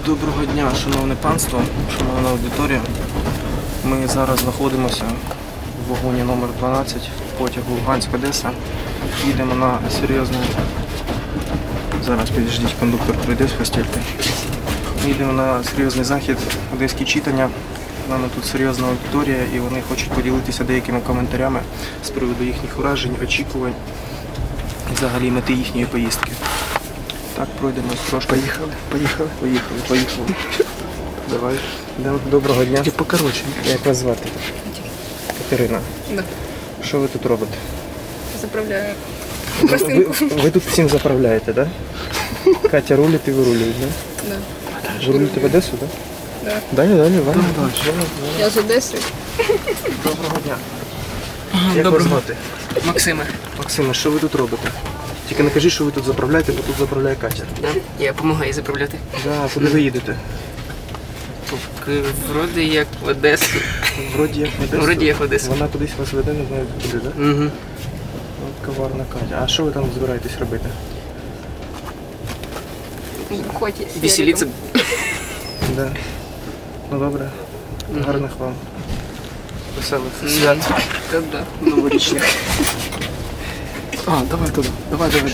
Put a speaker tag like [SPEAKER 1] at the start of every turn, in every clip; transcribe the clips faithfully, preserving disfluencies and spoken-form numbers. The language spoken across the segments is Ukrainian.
[SPEAKER 1] Доброго дня, шановне панство, шановна аудиторія. Ми зараз знаходимося в вагоні номер дванадцять потягу Луганськ-Одеса. Їдемо на серйозний... Зараз підождіть, кондуктор прийде з хостельки. Їдемо на серйозний захід, одеські читання. У мене тут серйозна аудиторія і вони хочуть поділитися деякими коментарями з приводу їхніх вражень, очікувань і взагалі мети їхньої поїздки. Так, пройдемось трошки.
[SPEAKER 2] Поїхали, поїхали.
[SPEAKER 1] Поїхали, поїхали. Давай. Доброго дня.
[SPEAKER 2] І покоротше.
[SPEAKER 1] Як вас звати? Катерина.
[SPEAKER 3] Да.
[SPEAKER 1] Що ви тут робите?
[SPEAKER 3] Заправляю.
[SPEAKER 1] Ви, ви, ви тут всім заправляєте, так? Да? Катя рулить і ви рулюєте, так?
[SPEAKER 3] Да.
[SPEAKER 1] Да? Ви рулите в Одесу, так?
[SPEAKER 3] Да?
[SPEAKER 1] Да. Далі, далі, Ваня.
[SPEAKER 3] Я з Одеси.
[SPEAKER 1] Доброго дня. Як
[SPEAKER 2] Доброго.
[SPEAKER 1] вас звати?
[SPEAKER 2] Максиме.
[SPEAKER 1] Максиме, що ви тут робите? Тільки не кажіть, що ви тут заправляєте, бо тут заправляє Катя.
[SPEAKER 2] Да? Я допомагаю заправляти.
[SPEAKER 1] Да, куди ви їдете?
[SPEAKER 2] Вроді як в Одесу.
[SPEAKER 1] Вроді як в Одесу.
[SPEAKER 2] Вроді як в Одесу.
[SPEAKER 1] Вона кудись вас веде, не знаю куди, так?
[SPEAKER 2] Угу.
[SPEAKER 1] От коварна Катя. А що ви там збираєтесь робити?
[SPEAKER 3] Хоті.
[SPEAKER 2] Веселиться.
[SPEAKER 1] Да. Ну добре. Гарних вам. Веселих свят.
[SPEAKER 2] Та да, новорічних.
[SPEAKER 1] А, давай туди. Давай, давай.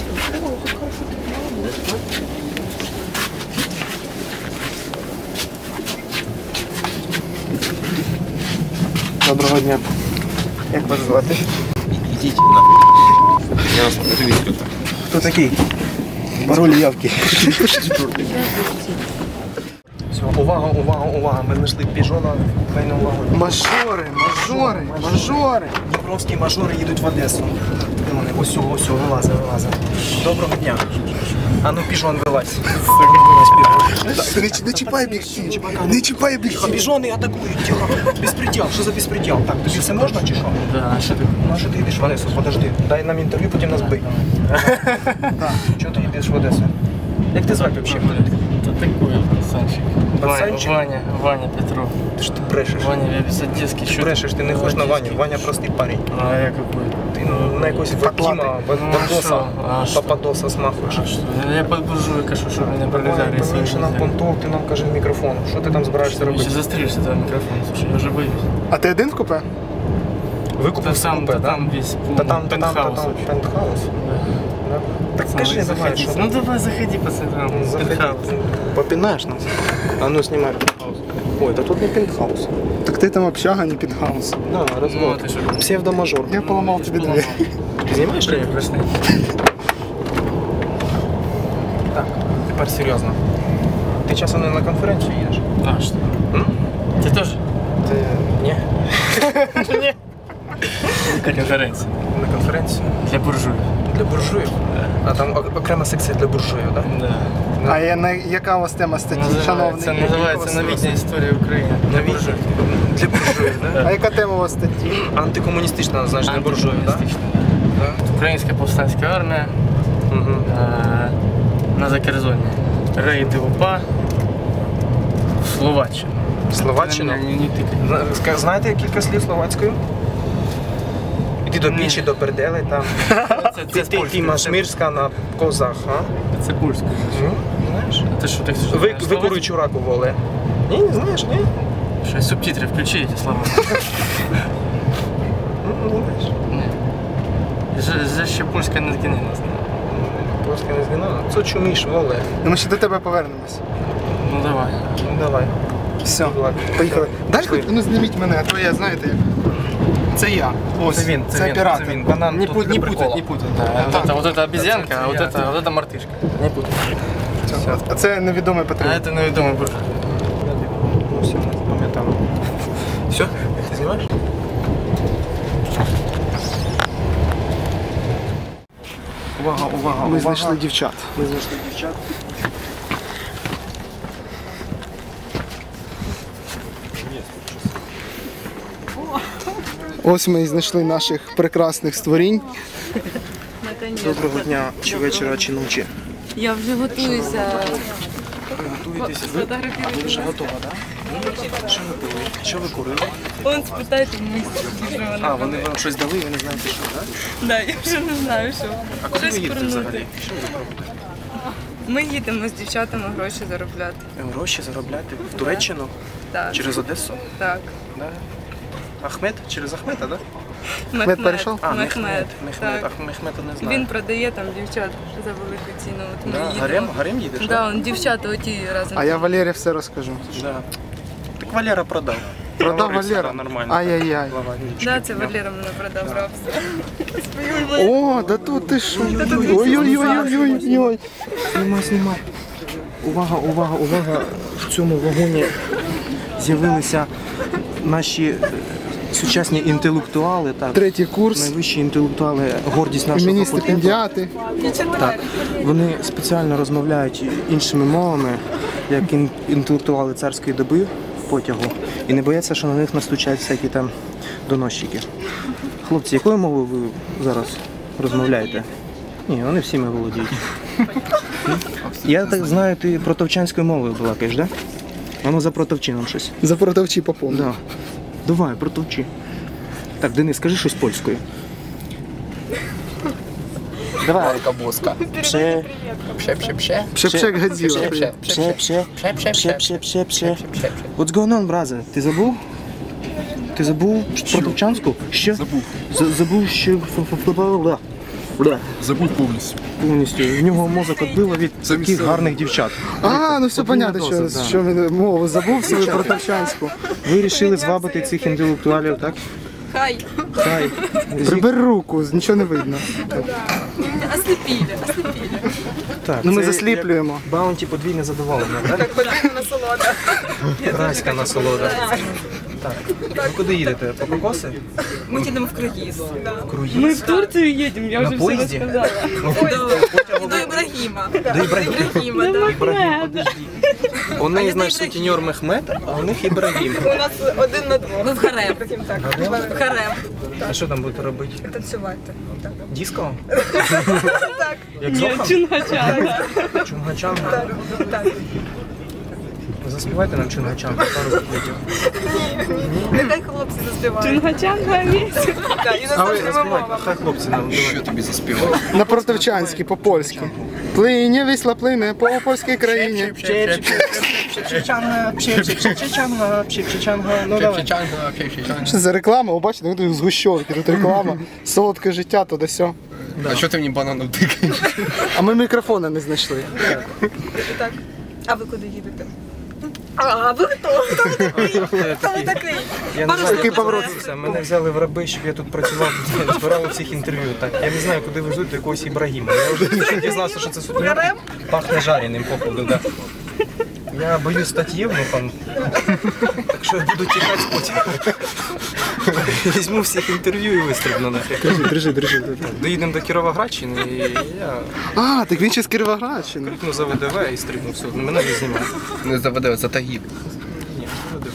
[SPEAKER 1] Доброго дня. Як вас звати?
[SPEAKER 4] Идите нахуй. Я вас покажу весь кто-то.
[SPEAKER 1] Хто такий? Пароль явки. Все, увага, увага, увага. Ми знайшли піжона. Хай на увагу.
[SPEAKER 2] Мажори, мажори, мажори.
[SPEAKER 1] Дніпровські мажори їдуть в Одесу. Де вони? Ось, ось, вилазить, вилазить. Доброго дня. А ну піжон вилазь.
[SPEAKER 2] Не чіпай об'єктив. Не чіпай об'єктив.
[SPEAKER 1] Піжони атакують. Тихо. Безпреділ. Що за безпреділ? Так, тобі все можна чи що?
[SPEAKER 2] Да, що ти?
[SPEAKER 1] Ну а що ти їдеш в Одесу? Подожди. Дай нам інтерв'ю, потім нас бий. Чого ти їдеш в Одесу? Як ти звати взагалі?
[SPEAKER 5] Кто такой пацанчик?
[SPEAKER 1] Пацанчик?
[SPEAKER 5] Ваня, Ваня Петров.
[SPEAKER 1] Ти ж ти брешеш.
[SPEAKER 5] Ваня, я без одесский.
[SPEAKER 1] Ти брешеш, ти не хочеш на Ваню. Ваня простий парень.
[SPEAKER 5] А я какой?
[SPEAKER 1] Ти на якогось Вадима, Бандоса,
[SPEAKER 5] А що?
[SPEAKER 1] Пападоса смахуєш.
[SPEAKER 5] А что? Я под буржуй кажу, що мене пролетарії свої.
[SPEAKER 1] Поменше нам понтов, ти нам кажи в мікрофон. Що ти там збираєшся
[SPEAKER 5] Ты
[SPEAKER 1] робити?
[SPEAKER 5] еще застрелишься этого микрофона, слушай, я уже боюсь.
[SPEAKER 2] А ти один в купе?
[SPEAKER 1] Викупив
[SPEAKER 5] Там,
[SPEAKER 1] купе,
[SPEAKER 5] та
[SPEAKER 1] да?
[SPEAKER 5] там весь
[SPEAKER 1] Та там, та там, та
[SPEAKER 5] пентхаус
[SPEAKER 1] там,
[SPEAKER 5] вообще.
[SPEAKER 1] пентхаус. Да. Так
[SPEAKER 5] Пацаны,
[SPEAKER 1] кажи, давай,
[SPEAKER 5] заходи.
[SPEAKER 1] що
[SPEAKER 5] Ну давай, заходи, пацаны, там,
[SPEAKER 1] Заходи.
[SPEAKER 5] пентхаус.
[SPEAKER 1] Попинаєш нас? А ну знімай пентхаус. Ой, та тут не пентхаус.
[SPEAKER 2] Так ти там общага, не пентхаус.
[SPEAKER 1] Да,
[SPEAKER 5] Ну,
[SPEAKER 1] розвод.
[SPEAKER 5] ти що?
[SPEAKER 1] Псевдомажор.
[SPEAKER 2] Я поламав тобі двері.
[SPEAKER 1] Ти знімаєш чи ні?
[SPEAKER 5] Прекрасный.
[SPEAKER 1] Так, тепер серйозно. Ти часом не на конференцію їдеш?
[SPEAKER 5] А, что?
[SPEAKER 1] М?
[SPEAKER 5] Ты тоже?
[SPEAKER 1] Ти... Ні.
[SPEAKER 5] Конференция.
[SPEAKER 1] На конференцію?
[SPEAKER 5] Для буржуев.
[SPEAKER 1] Для буржуїв? А там ок- окрема секція для буржуїв, так?
[SPEAKER 5] Да.
[SPEAKER 2] А я, на, яка у вас тема статті,
[SPEAKER 5] Називається,
[SPEAKER 2] шановний?
[SPEAKER 5] називається «Новітня історія України». Для буржуїв.
[SPEAKER 1] Для буржуїв, так?
[SPEAKER 2] А яка тема у вас статті?
[SPEAKER 1] Антикомуністична, значить, для буржуїв, так?
[SPEAKER 5] Антикомуністична. Українська повстанська армія
[SPEAKER 1] Угу.
[SPEAKER 5] е, на Закерзоні. Рейди УПА в Словаччину.
[SPEAKER 1] Словаччину?
[SPEAKER 5] Не, не, не тикай.
[SPEAKER 1] Зна- ска- Знаєте кілька слів словацькою? Іди до пічі, до пердели, там.
[SPEAKER 5] Це,
[SPEAKER 1] Ти,
[SPEAKER 5] це,
[SPEAKER 1] ти, ти машмирська на козах, а?
[SPEAKER 5] це польська.
[SPEAKER 1] Ну, знаєш?
[SPEAKER 5] А ти що, так що,
[SPEAKER 1] Ви,
[SPEAKER 5] знаєш
[SPEAKER 1] викуруй чураку воле. Ні, не знаєш, ні?
[SPEAKER 5] словацьку? Що, субтитри включи ці слова?
[SPEAKER 1] Ну, не знаєш.
[SPEAKER 5] Ні. Же, же ще польська не згинила.
[SPEAKER 1] Ну, Польська не згинала. Це чуміш, воле.
[SPEAKER 2] Ну, ми ще до тебе повернемось.
[SPEAKER 5] Ну давай.
[SPEAKER 1] Ну, давай.
[SPEAKER 2] Все,
[SPEAKER 1] Ладно.
[SPEAKER 2] поїхали. Далі,
[SPEAKER 1] Пішли.
[SPEAKER 2] ну зніміть мене, а то я, знаєте як. Це я. Ось,
[SPEAKER 1] Це він, це,
[SPEAKER 2] це
[SPEAKER 1] він,
[SPEAKER 2] оператор.
[SPEAKER 1] це він. Банан
[SPEAKER 5] Не,
[SPEAKER 1] тут
[SPEAKER 5] пут,
[SPEAKER 1] для
[SPEAKER 5] не путать,
[SPEAKER 1] прикола.
[SPEAKER 5] не путать. Да. Вот, это, вот это обезьянка, а вот это, вот это мартышка. Не путать.
[SPEAKER 2] Все. А це невідомий
[SPEAKER 5] А
[SPEAKER 2] патріот.
[SPEAKER 5] это невідомий буржуй.
[SPEAKER 1] Ну, все, пам'ятаємо. Все? Ти знімаєш? Увага, увага,
[SPEAKER 2] Ми
[SPEAKER 1] увага.
[SPEAKER 2] знайшли дівчат.
[SPEAKER 1] Ми знайшли дівчат.
[SPEAKER 2] Ось ми і знайшли наших прекрасних створінь.
[SPEAKER 1] Доброго дня, чи вечора, чи ночі.
[SPEAKER 3] Я вже готуюся.
[SPEAKER 1] Ви готуєтеся? Ви, а ви вже готова, так? Да? Що ви пили? Що ви курили?
[SPEAKER 3] Он спитайте мені, що
[SPEAKER 1] А,
[SPEAKER 3] вона.
[SPEAKER 1] вони вам щось дали, ви не знаєте, що, так?
[SPEAKER 3] Да, я вже не знаю, що.
[SPEAKER 1] А куди ви
[SPEAKER 3] Щось
[SPEAKER 1] їдете
[SPEAKER 3] курнути.
[SPEAKER 1] взагалі? Що ви робите?
[SPEAKER 3] Ми їдемо з дівчатами гроші заробляти.
[SPEAKER 1] Гроші заробляти в Туреччину
[SPEAKER 3] Так,
[SPEAKER 1] через Одесу.
[SPEAKER 3] так.
[SPEAKER 1] Да. Ахмед? Через Ахмета, да?
[SPEAKER 3] Мехмед.
[SPEAKER 2] перейшов?
[SPEAKER 1] А,
[SPEAKER 3] Мехмед.
[SPEAKER 1] Мехмед. Мехмед.
[SPEAKER 3] Так.
[SPEAKER 1] Ах, Мехмета не знаю.
[SPEAKER 3] Він продає там дівчат за велику ціну. От ми
[SPEAKER 1] Да,
[SPEAKER 3] їдемо.
[SPEAKER 1] гарем, гарем їдеш?
[SPEAKER 3] Так, да, он дівчата оті разом.
[SPEAKER 2] А я Валері все розкажу.
[SPEAKER 1] Да. Так Валера продав.
[SPEAKER 2] Продав
[SPEAKER 1] Говорився,
[SPEAKER 2] Валера?
[SPEAKER 1] да, нормально.
[SPEAKER 2] Ай-яй-яй.
[SPEAKER 1] Глава нічки.
[SPEAKER 3] Да, це Валера мене продав в рабство.
[SPEAKER 2] О, да тут ти що? Ой-ой-ой-ой-ой.
[SPEAKER 1] Знімай, знімай. Увага, увага, увага. В цьому вагоні з'явилися наші е, сучасні інтелектуали, так.
[SPEAKER 2] Третій курс.
[SPEAKER 1] Найвищі інтелектуали, гордість нашого
[SPEAKER 2] Імені
[SPEAKER 1] факультету.
[SPEAKER 2] стипендіати.
[SPEAKER 1] Так. Вони спеціально розмовляють іншими мовами, як ін- інтелектуали царської доби в потягу, і не бояться, що на них настучать всякі там доносчики. Хлопці, якою мовою ви зараз розмовляєте? Ні, вони всіми володіють. Я так знаю, ти протовчанською мовою балакаєш, так? Да? А ну за протовчином щось.
[SPEAKER 2] За продавчі поповнив.
[SPEAKER 1] Да. Давай, протовчи. Так, Денис, скажи щось польською. Давай.
[SPEAKER 5] Кабуска.
[SPEAKER 1] Пше,
[SPEAKER 5] Пше-пше-пше.
[SPEAKER 2] Пшепшек Годзіла.
[SPEAKER 1] пше, пше, пше,
[SPEAKER 5] Пше-пше-пше.
[SPEAKER 1] пше, пше, пше. What's going on, brother? Ти забув? Ти забув протовчанську? Що? Забув. Забув, що... ф-ф-ф-бла. Бля.
[SPEAKER 6] Забудь повністю.
[SPEAKER 1] Повністю. В нього мозок відбило від
[SPEAKER 6] Самі
[SPEAKER 1] таких
[SPEAKER 6] себе.
[SPEAKER 1] гарних дівчат.
[SPEAKER 2] А, ну все
[SPEAKER 1] Подвійна
[SPEAKER 2] понятно,
[SPEAKER 1] доза,
[SPEAKER 2] що,
[SPEAKER 1] да.
[SPEAKER 2] що він мову забув свою протовчанську.
[SPEAKER 1] Ви вирішили звабити цих інтелектуалів, так?
[SPEAKER 3] Хай.
[SPEAKER 1] Хай.
[SPEAKER 2] Прибери руку, нічого не видно.
[SPEAKER 3] Ослепили, ослепили.
[SPEAKER 1] Так,
[SPEAKER 2] Ну ми
[SPEAKER 1] це
[SPEAKER 2] засліплюємо.
[SPEAKER 1] як Баунті подвійне задоволення, так?
[SPEAKER 3] Подвійна насолода.
[SPEAKER 1] Райська насолода. Так. Ви куди їдете? По кокоси?
[SPEAKER 3] Ми їдемо в круїз.
[SPEAKER 1] В круїз?
[SPEAKER 3] Ми в Турцію їдемо, я
[SPEAKER 1] На
[SPEAKER 3] вже все
[SPEAKER 1] поїзді?
[SPEAKER 3] розказала.
[SPEAKER 1] Ой,
[SPEAKER 3] До Ібрагіма.
[SPEAKER 1] До Ібрагіма.
[SPEAKER 3] Ібрагіма, так.
[SPEAKER 1] Ібрагім, подожди. У неї, знаєш, сутіньор Мехмед, а у них Ібрагім.
[SPEAKER 3] У нас один на двох. Ми в гарем. В гарем.
[SPEAKER 1] А що там будете робити?
[SPEAKER 3] Танцювати.
[SPEAKER 1] Диско?
[SPEAKER 3] Так.
[SPEAKER 1] Як Зоха?
[SPEAKER 3] Чунгачанга.
[SPEAKER 1] Чунгачанга?
[SPEAKER 3] Так.
[SPEAKER 1] Заспівайте нам Чунгачанга, пару куплетів.
[SPEAKER 3] Нехай хлопці заспівають. Чунгачанга місць.
[SPEAKER 1] А ви заспівайте, хай хлопці нам
[SPEAKER 6] Що
[SPEAKER 1] давайте.
[SPEAKER 6] тобі заспівати?
[SPEAKER 2] На протовчанській, по-польськи. Плине вісла плине по польській країні.
[SPEAKER 1] Чечанга, чечанга, чечанга, ну давай.
[SPEAKER 5] Пше-пше-чанга, пше-пше-чанга.
[SPEAKER 2] Що за реклама? Ви бачите, тут згущовки, тут реклама. Солодке життя, то да сьо.
[SPEAKER 5] А що ти мені бананом тикаєш?
[SPEAKER 2] А ми мікрофона не знайшли.
[SPEAKER 3] Так. А ви куди їдете? А ви хто? Хто ви такий? Хто ви такий?
[SPEAKER 1] Я не знаю,
[SPEAKER 2] Такий поворот.
[SPEAKER 1] це. Мене взяли в раби, щоб я тут працював, збирав всіх інтерв'ю. Так, я не знаю, куди везуть до якогось Ібрагіма. Я вже дізнався, що це сутіньор. Пахне жареним, походу, да. Я боюсь стати євнухом, так що я буду тікати потім. Візьму всіх інтерв'ю і вистрибну нафіг.
[SPEAKER 2] Держи, держи, держи.
[SPEAKER 1] Доїдемо до Кіровоградщини і я
[SPEAKER 2] А, так він ще з Кіровоградщини.
[SPEAKER 1] крикну за ВДВ і стрибну все. Мене не знімає.
[SPEAKER 5] Не заведе, за тагід.
[SPEAKER 1] Ні, ВДВ.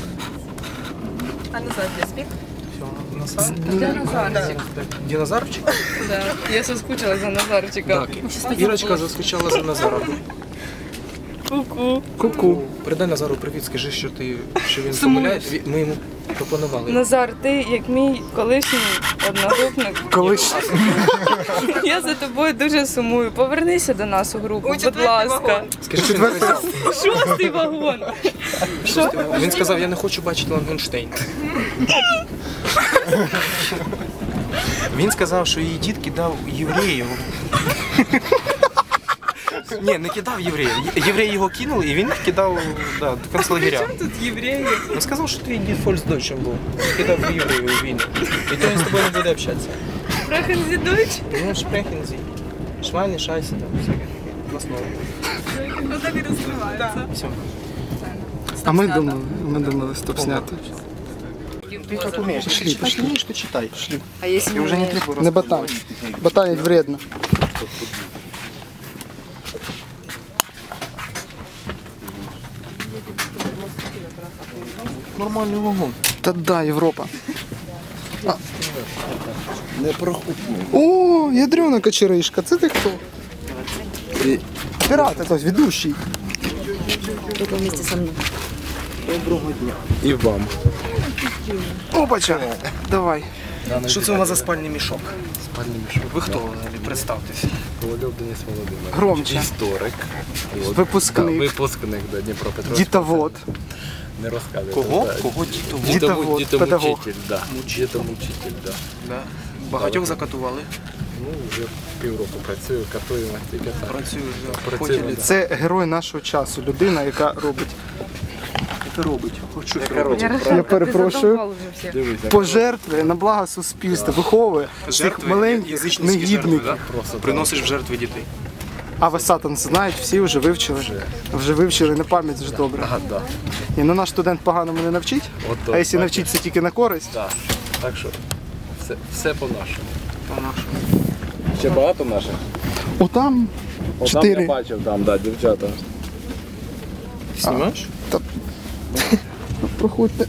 [SPEAKER 3] А назад я спік?
[SPEAKER 1] Назар?
[SPEAKER 3] Назарчик.
[SPEAKER 1] Динозаврчик?
[SPEAKER 3] Да. Я соскучила за Назарчика.
[SPEAKER 1] Так. Ірочка заскучала за Назаром.
[SPEAKER 3] Ку-ку.
[SPEAKER 2] Ку-ку.
[SPEAKER 1] Передай Назару привіт, скажи, що ти що він
[SPEAKER 3] Сумуєш?
[SPEAKER 1] помиляє. Ві- Ми йому пропонували.
[SPEAKER 3] Назар, ти як мій колишній одногрупник.
[SPEAKER 2] Колись.
[SPEAKER 3] Я за тобою дуже сумую. Повернися до нас у групу, будь ласка.
[SPEAKER 1] Скажи, що він сказав.
[SPEAKER 3] Шостий вагон. Що?
[SPEAKER 1] Він сказав, я не хочу бачити Лангенштейн. Він сказав, що її дід кидав євреїв. Ні, не кидав євреїв. Є- Євреї його кинули, і він їх кидав да, в концлагеря.
[SPEAKER 3] Тут євреї.
[SPEAKER 1] Він сказав, що твій дід фольксдойчем був. Кидав євреїв у війну. І то він з тобою не буде общатися.
[SPEAKER 3] Прохензідуч.
[SPEAKER 1] Ну, шпрехензі. Швайни, шайси, там, всяке. На слово.
[SPEAKER 3] Ну так і розкривається.
[SPEAKER 1] Все.
[SPEAKER 2] А ми думали, ми думали стоп зняти.
[SPEAKER 1] Ти так умієш.
[SPEAKER 2] Пошли,
[SPEAKER 1] Читати
[SPEAKER 2] пошли.
[SPEAKER 1] вмієш, то читай.
[SPEAKER 3] А якщо
[SPEAKER 1] І вже не треба
[SPEAKER 2] Не ботан. Ботанить вредно.
[SPEAKER 1] Нормальний вагон.
[SPEAKER 2] Та да, Європа.
[SPEAKER 6] Не прохопну.
[SPEAKER 2] О, ядрена кочеришка, це ти хто? Пірат, ось, ведущий.
[SPEAKER 1] Доброго дня.
[SPEAKER 6] І вам.
[SPEAKER 2] Опача. Давай.
[SPEAKER 1] Що це у вас за спальний мішок?
[SPEAKER 6] Спальний мішок.
[SPEAKER 1] Ви хто взагалі? Представтесь.
[SPEAKER 6] Ковальов Денис Володимирович.
[SPEAKER 2] Громче.
[SPEAKER 6] Історик. От.
[SPEAKER 2] Випускник.
[SPEAKER 6] Да, випускник до Дніпропетровського.
[SPEAKER 2] Дітовод.
[SPEAKER 6] Не розказує.
[SPEAKER 1] Кого?
[SPEAKER 6] Да.
[SPEAKER 1] Кого дітовод?
[SPEAKER 2] Дітовод,
[SPEAKER 6] Дітому-
[SPEAKER 2] педагог.
[SPEAKER 6] Дітомучитель, да. Дітомучитель, да.
[SPEAKER 1] Да. Багатьох закатували.
[SPEAKER 6] Ну, вже півроку працюю, катуємо, тільки так.
[SPEAKER 1] Працюю вже.
[SPEAKER 6] Працюємо,
[SPEAKER 1] Потім
[SPEAKER 6] да.
[SPEAKER 2] Це герой нашого часу, людина, яка робить
[SPEAKER 1] Яке робить? Хоч щось
[SPEAKER 6] Яка
[SPEAKER 1] робить.
[SPEAKER 6] робить,
[SPEAKER 2] Я
[SPEAKER 6] правда?
[SPEAKER 2] перепрошую.
[SPEAKER 6] Дивись, як
[SPEAKER 2] Пожертви на благо суспільства, виховує цих
[SPEAKER 1] Жертви,
[SPEAKER 2] маленьких
[SPEAKER 1] язичницькі жертви,
[SPEAKER 2] негідників.
[SPEAKER 1] да?
[SPEAKER 6] просто
[SPEAKER 1] Приносиш в жертви дітей.
[SPEAKER 2] А ви сатан знають, всі вже вивчили. Вже вивчили на пам'ять вже добре.
[SPEAKER 6] Ага, да.
[SPEAKER 2] І ну наш студент поганому не навчить,
[SPEAKER 6] От,
[SPEAKER 2] а якщо
[SPEAKER 6] так.
[SPEAKER 2] навчиться тільки на користь,
[SPEAKER 6] Да. Так що все, все по-нашому.
[SPEAKER 1] По-нашому.
[SPEAKER 6] Ще багато наших?
[SPEAKER 2] отам
[SPEAKER 6] О, там я
[SPEAKER 2] чотири.
[SPEAKER 6] бачив, там, да, дівчата.
[SPEAKER 1] Знімаєш?
[SPEAKER 2] Проходьте.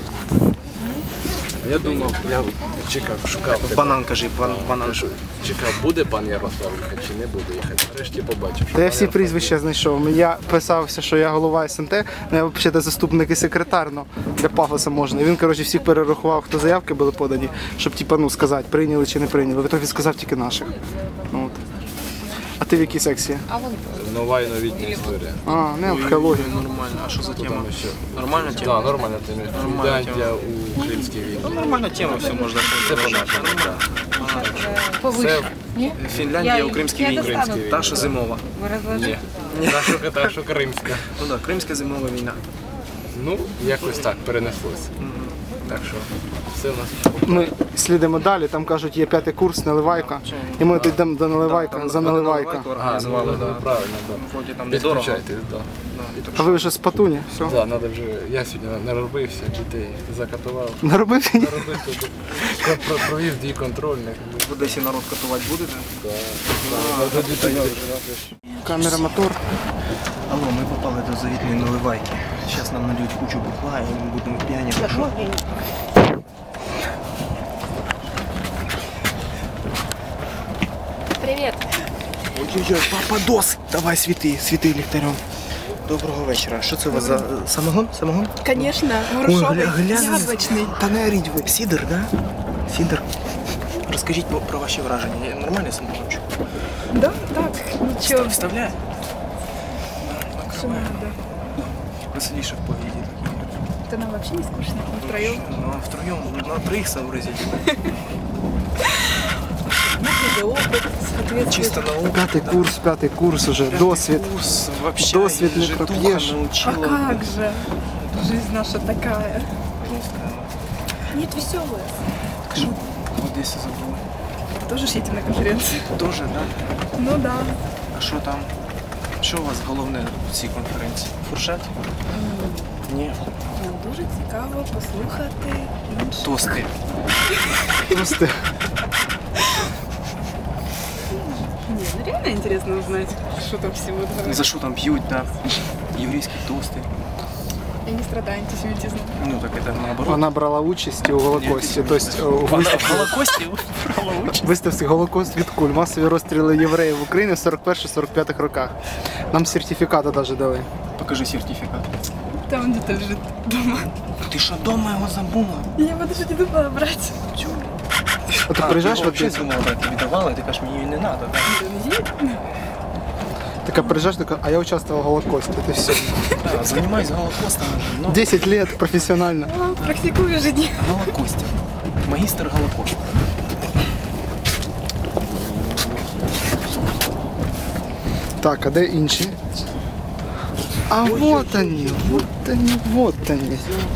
[SPEAKER 6] Я думав, я чекав, шукав. тебе.
[SPEAKER 1] Банан кажи, бан, банан.
[SPEAKER 6] Чекав, буде пан Ярослав їхати чи не буде їхати. Нарешті побачив. що
[SPEAKER 2] Та я
[SPEAKER 6] пан
[SPEAKER 2] всі
[SPEAKER 6] Ярослав
[SPEAKER 2] прізвища знайшов. Я писався, що я голова ес ен те, ну я взагалі заступник і секретар, ну, для пафоса можна. І він, коротше, всіх перерахував, хто заявки були подані, щоб типа, ну, сказати, прийняли чи не прийняли. В ітогі сказав тільки наших. Ну, от. А ти в якій секції?
[SPEAKER 6] Нова і новітня історія.
[SPEAKER 2] А, не археологія.
[SPEAKER 1] Нормально. А що за тема?
[SPEAKER 6] Там ще.
[SPEAKER 1] Нормальна тема?
[SPEAKER 6] Так, нормальна тема.
[SPEAKER 1] Нормальна
[SPEAKER 6] Фінляндія у Кримській війні.
[SPEAKER 1] Ну, нормальна тема, все можна.
[SPEAKER 6] Це по-нашому, так. Це
[SPEAKER 1] Фінляндія у Кримській війні.
[SPEAKER 6] Кримській війні.
[SPEAKER 1] Та, що зимова.
[SPEAKER 6] Ні. Та, що, та, що кримська.
[SPEAKER 1] Ну так, Кримська зимова війна.
[SPEAKER 6] Ну, якось так перенеслося. Так що все у нас.
[SPEAKER 2] Ми слідимо далі, там кажуть, є п'ятий курс, наливайка. І ми тут йдемо до наливайка, за наливайка.
[SPEAKER 1] Організували,
[SPEAKER 6] ну,
[SPEAKER 1] да.
[SPEAKER 6] правильно, так.
[SPEAKER 1] Вроді там недорого.
[SPEAKER 6] Підключайтесь, так.
[SPEAKER 2] А ви вже з Патуні, все.
[SPEAKER 6] Да, надо вже, я сьогодні наробився, дітей закатував.
[SPEAKER 2] Наробив?
[SPEAKER 6] Наробив тут, про- провів дій контрольних.
[SPEAKER 1] В Одесі народ катувати будете?
[SPEAKER 6] Надо дітей.
[SPEAKER 2] Камера, мотор.
[SPEAKER 1] Алло, ми попали до завітної наливайки. Зараз нам нальють кучу бухла і ми будемо п'яні.
[SPEAKER 3] Привіт.
[SPEAKER 1] Ой-ой-ой, пападос! Давай світи, світи ліхтарем. Доброго вечора. Що це у вас за самогон? Самогон?
[SPEAKER 3] Звісно,
[SPEAKER 1] Ой,
[SPEAKER 3] горошовий,
[SPEAKER 1] гля, глянь.
[SPEAKER 3] яблучний.
[SPEAKER 1] Та не оріть ви. Сідер, да? Сідер. Розкажіть про, про ваші враження. Я нормальний самогончик?
[SPEAKER 3] Да, так, нічого.
[SPEAKER 1] Вставляє? Накриває. Веселіше в повіді такі.
[SPEAKER 3] Це нам взагалі не скучно, втроєм.
[SPEAKER 1] Ну, а втроєм, на троїх сообразить.
[SPEAKER 3] Опит, соответственно.
[SPEAKER 1] Чисто наука.
[SPEAKER 2] П'ятий курс, п'ятий курс уже, досвід.
[SPEAKER 1] Курс, вообще,
[SPEAKER 2] Досвід не
[SPEAKER 1] житуха
[SPEAKER 2] проп'єш.
[SPEAKER 3] А
[SPEAKER 1] научила.
[SPEAKER 3] как же? Жизнь наша такая. Нет, веселая.
[SPEAKER 1] Скажи, в Одесі забув.
[SPEAKER 3] Тоже ж едем на конференцию.
[SPEAKER 1] Тоже, да?
[SPEAKER 3] Ну да.
[SPEAKER 1] А що там? Що у вас головне в цій конференції? Фуршет? Ні.
[SPEAKER 3] Нам дуже цікаво послухати інших.
[SPEAKER 1] Тости.
[SPEAKER 2] Просто
[SPEAKER 3] Не, ну реально интересно узнать, что там все будут говорить.
[SPEAKER 1] За що там п'ють, да? Єврейські тости.
[SPEAKER 3] Я не страдаю антисемитизмом.
[SPEAKER 1] Ну так це наоборот.
[SPEAKER 2] вона брала участь у Голокості, тобто у виставці,
[SPEAKER 1] Голокості?
[SPEAKER 2] виставці Голокост від куль, масові розстріли євреїв в Україні в сорок перших сорок п'ятих роках. Нам сертифікати навіть дали.
[SPEAKER 1] Покажи сертифікат.
[SPEAKER 3] Там где-то лежит дома.
[SPEAKER 1] Ти що, дома його забула?
[SPEAKER 3] Я буду же не думала брать.
[SPEAKER 2] А ти приїжджаєш в
[SPEAKER 1] Одесу?
[SPEAKER 2] Одесу?
[SPEAKER 1] Думала, так тобі давали, ти кажеш, мені її не треба.
[SPEAKER 2] Така приїжджаєш, така, а я участвував в Голокості, це все.
[SPEAKER 1] Да, займайся Голокостом. Ну,
[SPEAKER 2] десять лет професіонально.
[SPEAKER 3] А, практикую ежедневно.
[SPEAKER 1] Голокостя. Магістр Голокост.
[SPEAKER 2] Так, а де інші? А вот они, вот они, вот они.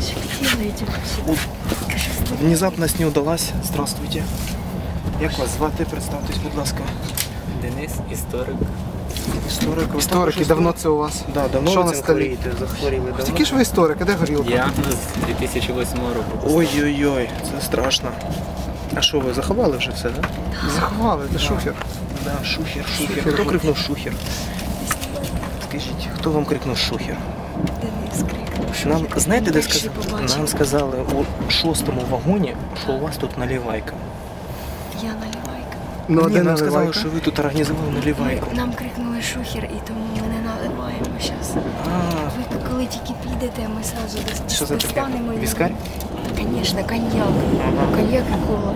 [SPEAKER 1] Внезапність не удалась. Здравствуйте. Як вас звати? Представтесь, будь ласка.
[SPEAKER 5] Денис, історик.
[SPEAKER 1] Історик. ви
[SPEAKER 2] Історики,
[SPEAKER 1] також
[SPEAKER 2] давно це у вас?
[SPEAKER 1] Да, давно
[SPEAKER 2] Що
[SPEAKER 1] ви
[SPEAKER 2] на
[SPEAKER 1] цим
[SPEAKER 2] столі?
[SPEAKER 1] хворієте? Захворіли давно?
[SPEAKER 2] Такі ж ви історик, а де горілка?
[SPEAKER 5] Діагноз з дві тисячі восьмого року.
[SPEAKER 1] Ой-ой-ой, це страшно. А що, ви заховали вже все, да?
[SPEAKER 2] Заховали, це шухер.
[SPEAKER 1] Да, шухер, шухер. Хто крикнув шухер? Скажіть, хто вам крикнув шухер?
[SPEAKER 3] Денис крикнув.
[SPEAKER 1] Нам, знаєте, де
[SPEAKER 3] Перший
[SPEAKER 1] сказали?
[SPEAKER 3] побачив.
[SPEAKER 1] Нам сказали у шостому вагоні, що у вас тут наливайка.
[SPEAKER 7] Я наливайка.
[SPEAKER 2] Ну, а
[SPEAKER 1] Ні,
[SPEAKER 2] де
[SPEAKER 1] нам сказали,
[SPEAKER 2] наливайка?
[SPEAKER 1] що ви тут організували наливайку.
[SPEAKER 7] Нам крикнули шухер, і тому ми не наливаємо зараз.
[SPEAKER 1] А,
[SPEAKER 7] Ви коли тільки підете, ми сразу дос-
[SPEAKER 1] що за таке?
[SPEAKER 7] достанемо.
[SPEAKER 1] Віскарь?
[SPEAKER 7] Звісно, коньяк. Коньяк і кола.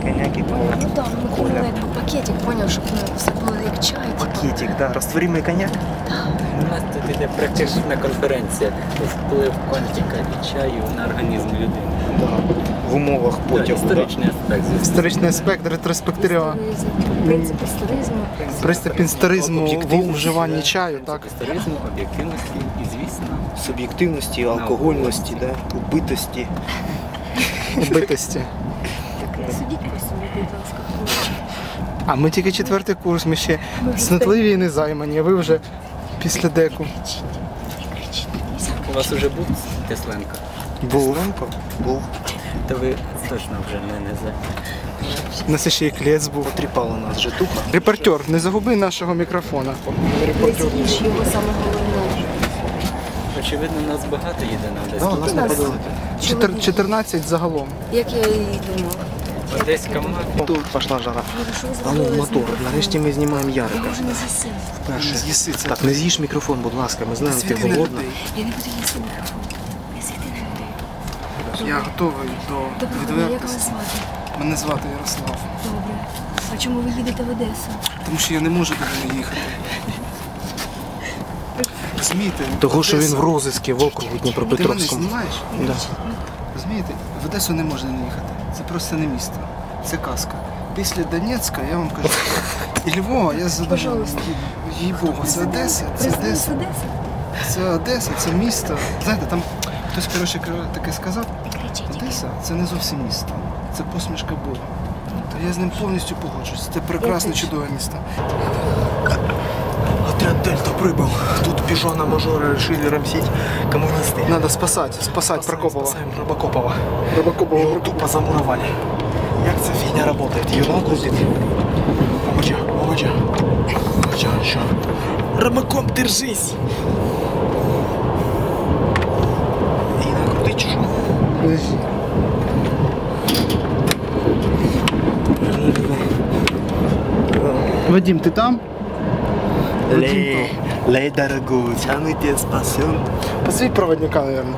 [SPEAKER 8] коняки, кола.
[SPEAKER 7] Ну так, ми купили якби пакетик, поняв, щоб ну, все було як чай. типу.
[SPEAKER 8] Пакетик, да, растворимый коньяк.
[SPEAKER 9] У нас тут іде практична конференція вплив контика і чаю на організм людини.
[SPEAKER 8] Да. В умовах
[SPEAKER 9] Да,
[SPEAKER 8] потягу.
[SPEAKER 9] історичний аспект. звісно.
[SPEAKER 2] Історичний аспект, ретроспектива,
[SPEAKER 7] Історизм, принцип історизму.
[SPEAKER 2] принцип історизму в
[SPEAKER 8] Об'єктивності,
[SPEAKER 2] вживанні
[SPEAKER 8] да.
[SPEAKER 2] чаю, так?
[SPEAKER 9] Історизму, об'єктивності і, звісно,
[SPEAKER 8] Суб'єктивності, алкогольності, да, убитості.
[SPEAKER 2] Убитості.
[SPEAKER 7] Так, судіть по собі, будь ласка, хлопче.
[SPEAKER 2] А ми тільки четвертий курс, ми ще снотливі і не займані, а ви вже після деку.
[SPEAKER 9] у вас вже був Тесленко,
[SPEAKER 2] Був.
[SPEAKER 8] Був.
[SPEAKER 9] то ви точно вже не, не за.
[SPEAKER 2] У нас ще і клець був.
[SPEAKER 8] Потріпала нас житуха.
[SPEAKER 2] Репортер, не загуби нашого мікрофона.
[SPEAKER 7] Не з'їж його саме головне.
[SPEAKER 9] Очевидно, нас багато їде на
[SPEAKER 8] Да,
[SPEAKER 9] Одеську.
[SPEAKER 8] нас не подали.
[SPEAKER 2] Чотир- чотирнадцять загалом.
[SPEAKER 7] Як я і думала.
[SPEAKER 9] Одеська мафія.
[SPEAKER 8] Тут пішла жара.
[SPEAKER 7] Боже, що ви
[SPEAKER 8] А ну,
[SPEAKER 7] зробили з
[SPEAKER 8] мотор.
[SPEAKER 7] мікрофоном?
[SPEAKER 8] Нарешті ми знімаємо
[SPEAKER 7] Я
[SPEAKER 8] Ярика.
[SPEAKER 7] вже не засів.
[SPEAKER 8] Перше.
[SPEAKER 2] З'їси це.
[SPEAKER 8] Так, не з'їж мікрофон, будь ласка, ми знаємо, ти
[SPEAKER 2] Світи на
[SPEAKER 8] голодна.
[SPEAKER 2] людей.
[SPEAKER 7] Я не буду їсти мікрофон. Не світи на людей.
[SPEAKER 2] Я готовий до
[SPEAKER 7] Доброго дня, як вас
[SPEAKER 2] відвертості.
[SPEAKER 7] звати?
[SPEAKER 2] Мене звати Ярослав.
[SPEAKER 7] Добре. А чому ви їдете в Одесу?
[SPEAKER 2] Тому що я не можу туди не їхати. Розумієте?
[SPEAKER 8] Того, що він
[SPEAKER 2] Одеса-
[SPEAKER 8] в розиску в округу
[SPEAKER 2] Ти мене
[SPEAKER 8] Дніпропетровському.
[SPEAKER 2] знімаєш?
[SPEAKER 8] Да.
[SPEAKER 2] Розумієте, в Одесу не можна не їхати. Це просто не місто. Це казка. Після Донецька, я вам кажу, і Львова, я задоволений.
[SPEAKER 7] Пожалуйста.
[SPEAKER 2] Їй Богу, це Одеса, це
[SPEAKER 7] Президент
[SPEAKER 2] Одеса,
[SPEAKER 7] з Одеси?
[SPEAKER 2] це Одеса, це місто. Знаєте, там хтось, коротше, кра- таке сказав,
[SPEAKER 7] Не кричіть.
[SPEAKER 2] Одеса це не зовсім місто, це посмішка Бога. То я з ним повністю погоджуюсь. Це прекрасне, чудове місто.
[SPEAKER 8] Отряд Дельта прибыл. Тут пижона мажора решили рамсить коммунисты.
[SPEAKER 2] Надо спасати, спасати Прокопова.
[SPEAKER 8] Спасаем Рыбакопова.
[SPEAKER 2] Рибакопова.
[SPEAKER 8] Его тупо замуровали. Як ця фігня работает? Ее накрутит. Помоча, помоча. Помоча, еще. Рыбакоп, держись! И накрутить чужу.
[SPEAKER 2] Вадим, ти там?
[SPEAKER 8] Лей, лей, дорогой, а мы тебя спасем.
[SPEAKER 2] Позови проводника, наверное.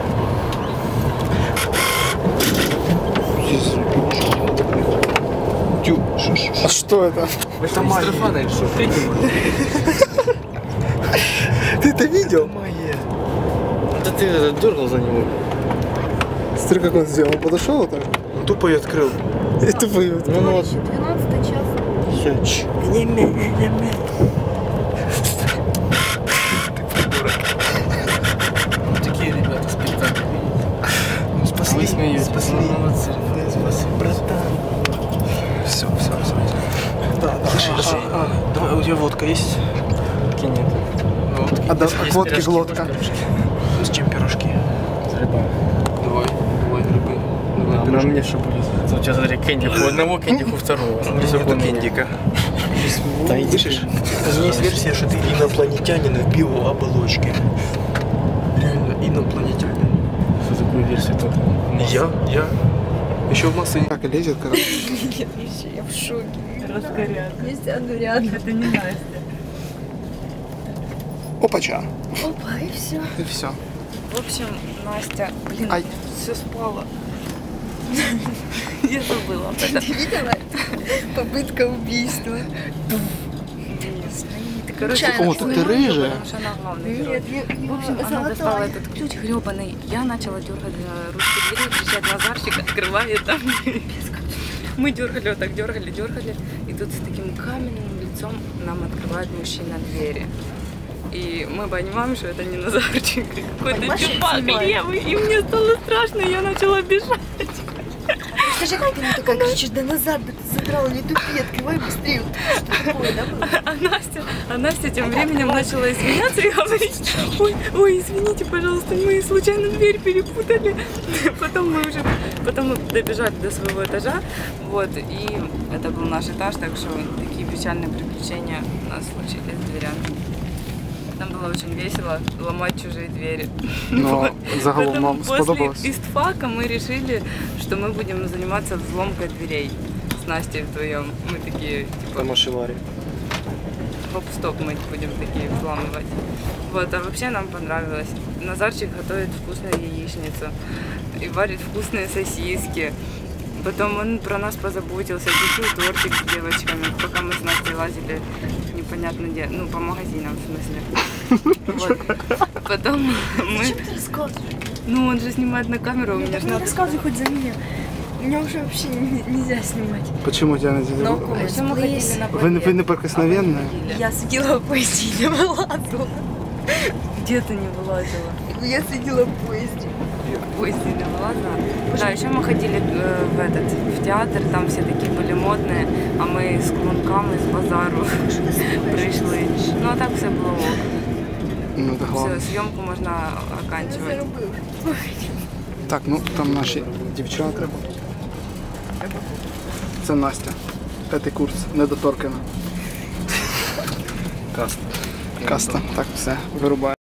[SPEAKER 8] Тю, шо, шо,
[SPEAKER 2] А что это?
[SPEAKER 8] Это магия.
[SPEAKER 9] Стефана, що ти?
[SPEAKER 2] Ты это видел?
[SPEAKER 5] Да ты дергал за него.
[SPEAKER 2] Смотри, как он сделал. Он подошел вот так.
[SPEAKER 8] Он тупо ее открыл.
[SPEAKER 2] И тупо её открыл.
[SPEAKER 5] Ну вот.
[SPEAKER 7] двенадцатий час.
[SPEAKER 5] Такие ребята спектакли.
[SPEAKER 8] Ну, спасли,
[SPEAKER 5] Вы смеетесь.
[SPEAKER 8] спасли.
[SPEAKER 5] Ну, молодцы.
[SPEAKER 8] Да, спасли, братан. Все, все, все. Да, да.
[SPEAKER 5] Пиши,
[SPEAKER 8] А,
[SPEAKER 5] пиши.
[SPEAKER 8] а, а, давай, у тебя водка есть?
[SPEAKER 5] Таки нет. Вот.
[SPEAKER 2] А до
[SPEAKER 5] Есть
[SPEAKER 2] водки
[SPEAKER 5] пирожки,
[SPEAKER 2] глотка.
[SPEAKER 5] пирожки.
[SPEAKER 8] С чем пирожки?
[SPEAKER 5] С грибами. Давай, давай грибы. Давай, а на мне что будет? Вот сейчас смотри, кендик у одного, кендик у второго. Смотри, сколько у меня.
[SPEAKER 8] Кендика.
[SPEAKER 5] Да иди.
[SPEAKER 8] Слышишь? Есть версия, что ты инопланетянин в биооболочке. Реально, инопланетянин.
[SPEAKER 5] Что такую версию только?
[SPEAKER 8] Я, я. Еще в массы.
[SPEAKER 2] Так и лезет, короче.
[SPEAKER 3] Нет, вообще, я в шоке. Раскоряка. Я сяду рядом. Это не Настя.
[SPEAKER 2] Опача.
[SPEAKER 7] Опа, і все.
[SPEAKER 2] И все.
[SPEAKER 3] В общем, Настя, блин,
[SPEAKER 2] Ай.
[SPEAKER 3] все спала. Я забыла. Ты видела? Попытка убийства. Короче,
[SPEAKER 2] О, так ты рыжая.
[SPEAKER 3] потому что она главный герой.
[SPEAKER 7] Нет, я,
[SPEAKER 3] В общем, она достала этот ключ гребаный. Я начала дергать за ручку двери, кричать Назарчик, открывает там. Мы дергали, вот так дергали, дергали. И тут с таким каменным лицом нам открывает мужчина двери. И мы понимаем, что это не Назарчик, какой-то чувак левый. И мне стало страшно, и я начала бежать.
[SPEAKER 7] Скажи, как ты мне такая кричишь, да назад, да ты задрала, не тупи, открывай быстрее. Что такое, да, было?
[SPEAKER 3] А Настя, а Настя тем временем начала извиняться и говорить: ой, ой, извините, пожалуйста, мы случайно дверь перепутали. Потом мы уже, потом мы добежали до своего этажа, вот, и это был наш этаж, так что такие печальные приключения у нас случились с дверями. Нам было очень весело ломать чужие двери.
[SPEAKER 2] Но загалом
[SPEAKER 3] Поэтому
[SPEAKER 2] вам сподобалось.
[SPEAKER 3] после истфака мы решили, что мы будем заниматься взломкой дверей с Настей вдвоем. Мы такие, типа,
[SPEAKER 8] Тамашевари.
[SPEAKER 3] гоп-стоп мы будем такие взламывать. Вот, а вообще нам понравилось. Назарчик готовит вкусную яичницу и варит вкусные сосиски. Потом он про нас позаботился, купил тортик с девочками, пока мы с Настей лазили непонятно где, ну, по магазинам, в смысле. Вот. Потом мы...
[SPEAKER 7] Зачем ты рассказываешь?
[SPEAKER 3] Ну, он же снимает на камеру, у меня же
[SPEAKER 7] Не
[SPEAKER 3] надо...
[SPEAKER 7] рассказывай хоть за меня. Меня уже вообще не- нельзя снимать.
[SPEAKER 2] Почему тебя нельзя?
[SPEAKER 3] А еще мы ходили на
[SPEAKER 2] Вы, не- вы неприкосновенная?
[SPEAKER 7] Я сидела в поезде и не вылазила.
[SPEAKER 3] Где ты не вылазила?
[SPEAKER 7] Я сидела в поезде.
[SPEAKER 3] В поезде не вылазила. Да, еще мы ходили э, в этот, в театр, там все такие были модные, а мы с клунками, с базару пришли. Ну, а так все было ок.
[SPEAKER 2] Ну, це головне.
[SPEAKER 3] Все, съемку можно оканчивать.
[SPEAKER 2] Так, ну там наші дівчата. Це Настя. П'ятий курс, недоторкана.
[SPEAKER 1] Каста.
[SPEAKER 2] Каста. Так, все, вирубає.